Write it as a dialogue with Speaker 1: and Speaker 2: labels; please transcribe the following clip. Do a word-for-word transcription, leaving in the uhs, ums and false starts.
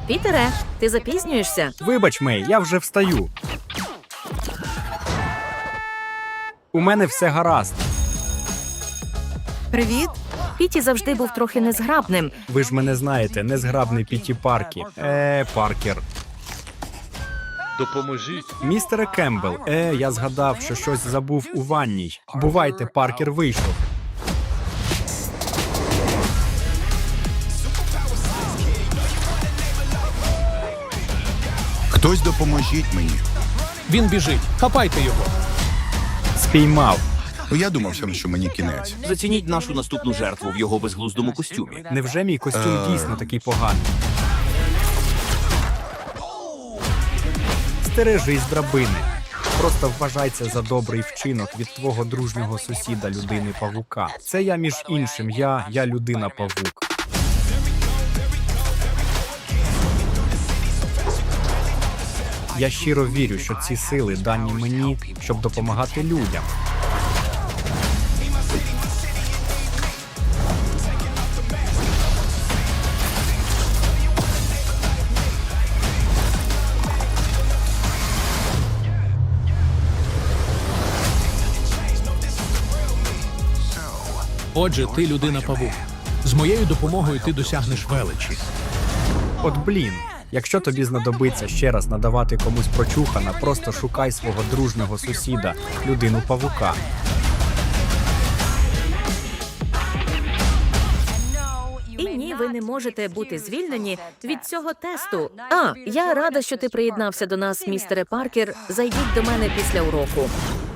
Speaker 1: Пітере, ти запізнюєшся?
Speaker 2: Вибач, Мей, я вже встаю. У мене все гаразд.
Speaker 1: Привіт. Піті завжди був трохи незграбним.
Speaker 2: Ви ж мене знаєте, незграбний Піті Паркі. Е, Паркер.
Speaker 3: Допоможіть.
Speaker 2: Містере Кембл, е, я згадав, що щось забув у ванній. Бувайте, Паркер вийшов.
Speaker 4: Хтось допоможіть мені.
Speaker 5: Він біжить. Хапайте його.
Speaker 2: Спіймав.
Speaker 4: Ну, я думав, що мені кінець.
Speaker 6: Зацініть нашу наступну жертву в його безглуздому костюмі.
Speaker 2: Невже мій костюм
Speaker 4: Е.
Speaker 2: дійсно такий поганий? Стережись драбини. Просто вважай це за добрий вчинок від твого дружнього сусіда людини-павука. Це я, між іншим, я, я людина-павук. Я щиро вірю, що ці сили дані мені, щоб допомагати людям.
Speaker 5: Отже, ти людина-павук. З моєю допомогою ти досягнеш величі.
Speaker 2: От блін, якщо тобі знадобиться ще раз надавати комусь прочухана, просто шукай свого дружнього сусіда, людину-павука.
Speaker 1: І ні, ви не можете бути звільнені від цього тесту. А, я рада, що ти приєднався до нас, містере Паркер. Зайдіть до мене після уроку.